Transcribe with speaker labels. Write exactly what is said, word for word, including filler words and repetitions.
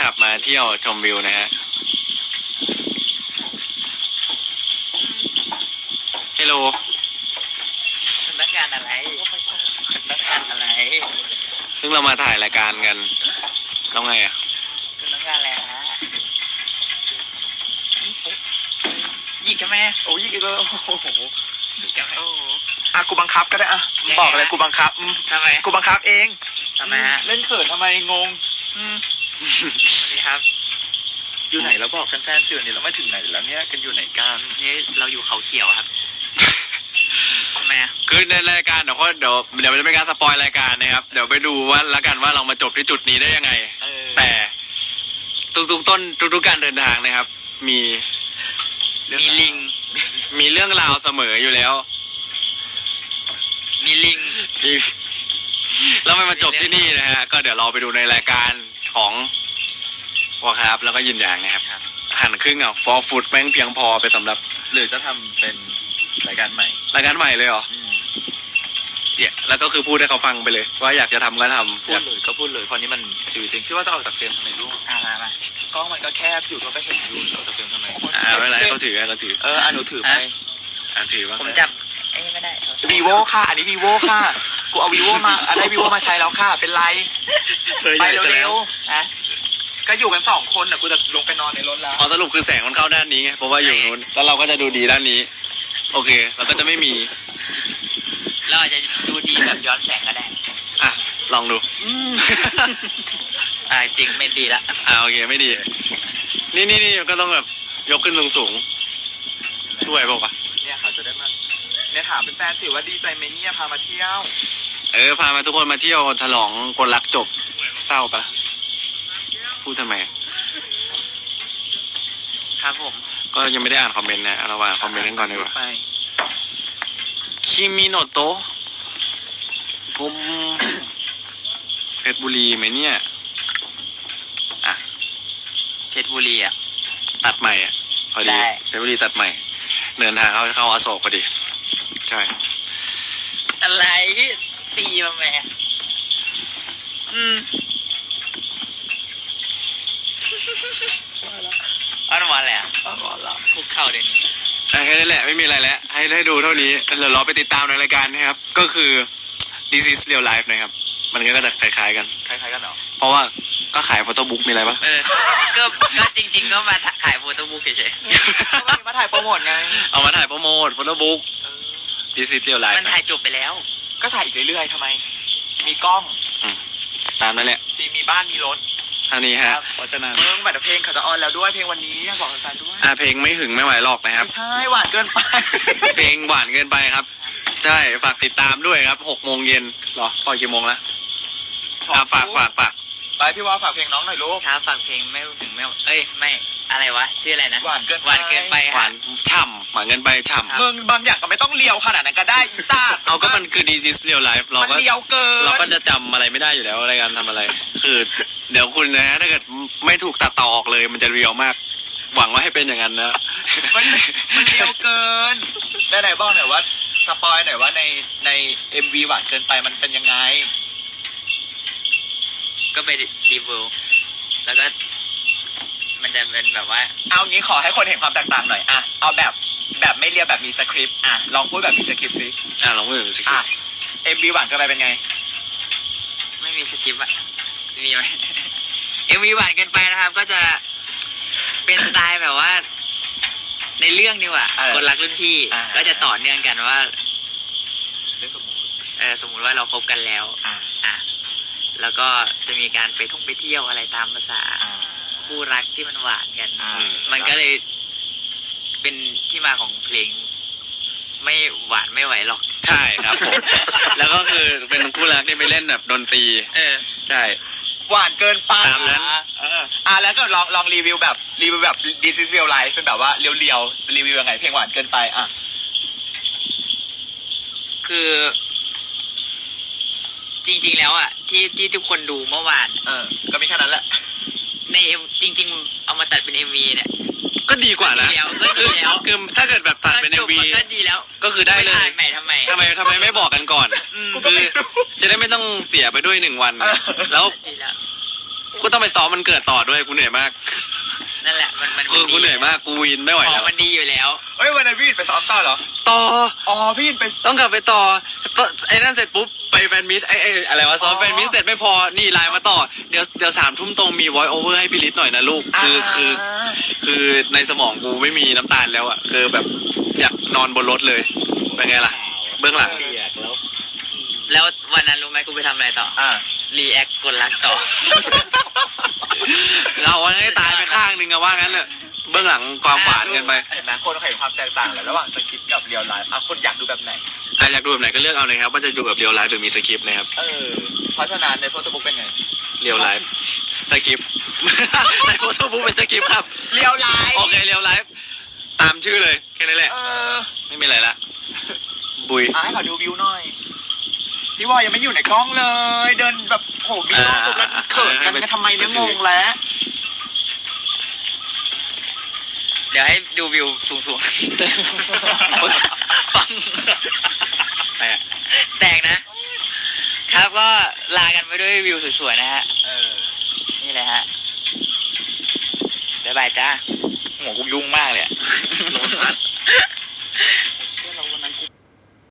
Speaker 1: ขับมาเที่ยวชมวิวนะฮะฮัลโหล
Speaker 2: คุณต้องการอะไรคุณต้องการอะไร
Speaker 1: ซึ่งเรามาถ่ายรายการกันแล้วไงอ่ะ
Speaker 2: คุณต้องการอะไรฮะยิงกันไหม
Speaker 3: โอ้ยยิงเลยโอ้โห
Speaker 2: ยิงกันไหม
Speaker 3: อ่ะกูบังคับก็ได้อ่ะบอกเลยกูบังคับ
Speaker 2: ทำไม
Speaker 3: กูบังคับเอง
Speaker 2: ทำไมฮะ
Speaker 3: เล่นเขินทำไมงง
Speaker 2: อืมนี่ครับ
Speaker 3: อยู่ไหนแล้วบอกแฟนๆสิวันนี้เราไม่ถึงไหนแล้วเนี่ยกันอยู่ไหนกัน
Speaker 2: นี่เราอยู่เขาเขียวครับทำไมอ่ะ
Speaker 1: คือในรายการเดี๋ยวก็เดี๋ยวเดี๋ยวจะเป็นการสปอยรายการนะครับเดี๋ยวไปดูว่าละกันว่าเรามาจบที่จุดนี้ได้ยังไงแต่ทุกๆต้นทุกๆการเดินทางนะครับมี
Speaker 2: มีลิง
Speaker 1: มีเรื่องราวเสมออยู่แล้ว
Speaker 2: มีลิง
Speaker 1: มีแล้วมันมาจบที่นี่นะฮะก็เดี๋ยวเราไปดูในรายการของวอครับแล้วก็ยินอย่างนะครับหั่นครึ่งอ่ะฟอร์ฟูดแม่งเพียงพอไปสำหรับ
Speaker 3: หรือจะทำเป็นรายการใหม่
Speaker 1: รายการใหม่เลยเหรอเนี่ยแล้วก็คือพูดให้เขาฟังไปเลยว่าอยากจะทำก็ทำ
Speaker 3: พูดเลยก็พูดเลยเพราะนี้มันชีวิตจริงพี่ว่าจะออกจากเฟรมทำไมลูก
Speaker 2: อ่ามาม
Speaker 3: ากล้องมันก็แคบอยู่ก็ไม่เห็นอยู่ออกจากเฟรมทำไม
Speaker 1: อ่าไม่เป็นไรเขาถือเขาถือ
Speaker 3: เอออ่ะหนูถือไป
Speaker 1: อ่าถือว่า
Speaker 2: ผมจับเอ้ไม่ได้
Speaker 3: วีโวค่ะอันนี้วีโวค่ะกูเอาวีโวมาอันได้วีโวมาใช้แล้วค่ะเป็นไรไปเร็ว
Speaker 2: ๆนะ
Speaker 3: ก็อยู่กันสองคนน่ะกูจะลงไปนอนในรถแล้ว
Speaker 1: อ๋อสรุปคือแสงมันเข้าด้านนี้ไงเพราะว่าอยู่นู้นแล้วเราก็จะดูดีด้านนี้โอเคเราก็จะไม่มี
Speaker 2: เราอาจจะดูดีแบบย้อนแสงก็ได้
Speaker 1: อ่ะลองดู
Speaker 2: อ่าจริงไม่ดีละ
Speaker 1: อ่าโอเคไม่ดีนี่นี่นี่ก็ต้องแบบยกขึ้นสูงสูงช่วยบอกว่า
Speaker 3: เนี่ยเขาจะได้มาเนี่ยถามเป็นแฟนสิว่าดีใจไหมเนี่ยพามาเที่ยว
Speaker 1: เออพามาทุกคนมาเที่ยวฉลองคนรักจบเศร้าปะพูดทำไม
Speaker 2: ครับผม
Speaker 1: ก็ยังไม่ได้อ่านคอมเมนต์นะเราอ่านคอมเมนต์กันก่อนดีกว่าคิมิโนโตะผมเพชรบุรีไหมเนี่ยอ่ะ
Speaker 2: เพชรบุรีอ่ะ
Speaker 1: ตัดใหม่อ่ะพอดีเพชรบุรีตัดใหม่เดินทางเข้าเข้าอโศกพอดีใช่
Speaker 2: อะไรตีมาแม่อืมอ้อนวอนแหละ
Speaker 3: อ้อนวอนละ
Speaker 2: คุกเข่าเดี๋ยวนี้
Speaker 1: แค่นั้นแหละไม่มีอะไรแล้วให้ให้ดูเท่านี้เดี๋ยวเราไปติดตามในรายการนะครับก็คือ This is Real Life นะครับมันก็จะคล้ายๆกัน
Speaker 3: คล้ายๆกันเหรอ
Speaker 1: เพราะว่าก็ขายโฟโต้บุ๊กมีอะไรปะ
Speaker 2: เออก็ก็จริงๆก็มาขายโฟโต้บุ๊กเฉย
Speaker 3: ๆมาถ่ายโปรโมทไง
Speaker 1: เอามาถ่ายโปรโมทโฟโต้บุ๊ก This is Real Life
Speaker 2: มันถ่ายจบไปแล้ว
Speaker 3: ก็ถ่ายอีกเรื่อยๆทำไมมีกล้อง
Speaker 1: ตามนั่นแหละ
Speaker 3: มีมีบ้านมีรถ
Speaker 1: ท่านี้ฮะเพราะฉะนั้น
Speaker 3: เมืองบัตรเพลงเขาจะออนแล้วด้วยเพลงวันนี้อยากบอกแฟนๆด้วย
Speaker 1: อ่าเพลงไม่หึงไม่ไหวหรอกนะครับ
Speaker 3: ไม่ใช่หวานเกินไป
Speaker 1: เพลงหวานเกินไปครับใช่ฝากติดตามด้วยครับหกโมงเย็นหรอปล่อยกี่โมงละอ่าฝากฝากฝาก
Speaker 3: ไปพี่ว่าฝากเพลงน้องหน่อยลูก
Speaker 2: ครับฝากเพลงไม่ถึงไม่เอ้ยไม่อะไรวะชื่ออะไรนะ
Speaker 3: หวานเกิน
Speaker 2: หวานเกินไป
Speaker 1: หวานฉ่ำหวานเกินไปฉ่ำ
Speaker 3: มึงบางอย่างก็ไม่ต้องเลียวขนาดนั้นก็ได้อีต้า
Speaker 1: เอาก็มันคือ This is Real Life เราก็
Speaker 3: เลียวเกิน
Speaker 1: เราก็จะจำอะไรไม่ได้อยู่แล้วอะไรการทำอะไรคือเดี๋ยวคุณนะถ้าเกิดไม่ถูกตัดต่อออกเลยมันจะเรียวมากหวังว่าให้เป็นอย่างนั้นนะ
Speaker 3: มันมันเลียวเกินได้ไหนบอกหน่อยว่าสปอยหน่อยว่าในใน เอ็ม วี หวานเกินไปมันเป็นยังไง
Speaker 2: ก็ไปดีเวลแล้วก็มันจะเป็นแบบว่า
Speaker 3: เอางี้ขอให้คนเห็นความแตกต่างหน่อยอ่ะเอาแบบแบบไม่เรียบแบบมีสคริปต์อ่ะลองพูดแบบมีสคริปต์สิ
Speaker 1: อ่ะลองพูดแบบมีสคริปต์
Speaker 3: เอ็ม วี หวานเกินไปเป็นไง
Speaker 2: ไม่มีสคริปต์อะมีไหม เอ็ม วี หวานเกินไปนะครับก็จะเป็นสไตล์แบบว่าในเรื่องนี่ว่ะคนรักรุ่นพี่ก็จะต่อเนื่องกันว่า
Speaker 3: เรื่องสมมติ
Speaker 2: เออสมมุติว่าเราคบกันแล้ว
Speaker 3: อ่ะ
Speaker 2: อ่ะแล้วก็จะมีการไปท่องไปเที่ยวอะไรตามภาษาคู่รักที่มันหวานกันมันก็เลยเป็นที่มาของเพลงไม่หวานไม่ไหวหรอก
Speaker 1: ใช่ครับผมแล้วก็คือเป็นคู่รักที่ไปเล่นแบบดนตรี
Speaker 2: เออ
Speaker 1: ใช่
Speaker 3: หวานเกินไป
Speaker 1: ตามนั้น
Speaker 3: อ่าแล้วก็ลองลองรีวิวแบบรีวิวแบบ This is Real Life เป็นแบบว่าเรียวๆรีวิวยังไงเพลงหวานเกินไปอ่ะ
Speaker 2: คือจริงๆแล้วอ่ะที่ที่ทุกคนดูเมื่อวาน
Speaker 3: เออก็มีแค่นั้นแหละ
Speaker 2: ในจริงๆเอามาตัดเป็น เอ็ม วี เนี่ย
Speaker 1: ก็ดีกว่านะ
Speaker 2: ก็ดีแล้ว
Speaker 1: คือถ้าเกิดแบบตัดเป็น เอ็ม วี
Speaker 2: ก็ดีแล้ว
Speaker 1: ก็คือได้เลย
Speaker 2: ใหม่ทำไม
Speaker 1: ทำไมทำไมไม่บอกกันก่อนคือจะได้ไม่ต้องเสียไปด้วยหนึ่งวันแล้วกูต้องไปซ้อมมันเกิดต่อด้วยกูเหนื่อยมาก
Speaker 2: นั่นแหละมันมัน
Speaker 1: คือกูเหนื่อยมากกูวินไม่ไหว
Speaker 2: ขอ
Speaker 1: แล้
Speaker 2: ง
Speaker 1: ว
Speaker 2: มันดีอยู่แล้ว
Speaker 3: เฮ้ยวันนั้นพี่ไปซ้อมต่อเหรอ
Speaker 1: ต่อ
Speaker 3: อ๋อพี่ไป
Speaker 1: ต้องกลับไปต่อต่อไอ้นั่นเสร็จปุ๊บไปแฟนมิตไอ้ไอ้อะไรวะซ้อม
Speaker 3: อ๋อ
Speaker 1: แฟนมิตเสร็จไม่พอนี่ไลน์มาต่อเดี๋ยวเดี๋ยวสามทุ่มตรงมี voice over ให้พี่ลิศหน่อยนะลูกคือคือ คือในสมองกูไม่มีน้ำตาลแล้วอ่ะคือแบบอยากนอนบนรถเลยเป็นไงล่ะ เบื้องหลัง
Speaker 4: เปียกแล้ว
Speaker 2: แล้ววันนั้นรู้ไหมกูไปทำอะไรต่อ
Speaker 3: อ่า
Speaker 2: รีแอคกดรักต่อ
Speaker 1: เราให้ตายไปข้างหนึ่งอะว่างั้นเนอะเบื้องหลังความหวานกันไป
Speaker 3: เห็นไหมคนเขาเห็นความแตกต่างเลยระหว่างสคริปต์กับเรียลไลฟ์อ่ะคนอยากดูแบบไหน
Speaker 1: อ่ะอยากดูแบบไหนก็เลือกเอาเลยครับว่าจะดูแบบเรียลไลฟ์หรือมีสคริปต์นะครับ
Speaker 3: เออ เพราะฉะนั้นในโฟโต้บุ๊กเป็นไง
Speaker 1: เรียลไลฟ์สคริปต์ ในโฟโต้บุ๊กเป็นสคริปต์ครับ
Speaker 3: เรียลไลฟ์
Speaker 1: โอเคเรียลไลฟ์ตามชื่อเลยแค่นั้นแหละ
Speaker 3: เออ
Speaker 1: ไม่มีอะไรละบุย
Speaker 3: อ่ะให้ขอดูวิวหน่อย พี่วอยยังไม่อยู่ในกล้องเลย เดินแบบโหมีกล้องปุ๊บแล้วเขินกันกันทำไมเนี่ยงงแล้ว
Speaker 2: เดี๋ยวให้ดูวิวสูงๆ ฟัง
Speaker 1: แต่
Speaker 2: แตกนะ ครับก็ลากันไปด้วยวิวสวยๆนะฮะ
Speaker 3: เออ
Speaker 2: นี่เลยฮะ บ๊ายบายจ้า หัวกูยุ่งมากเลยอะ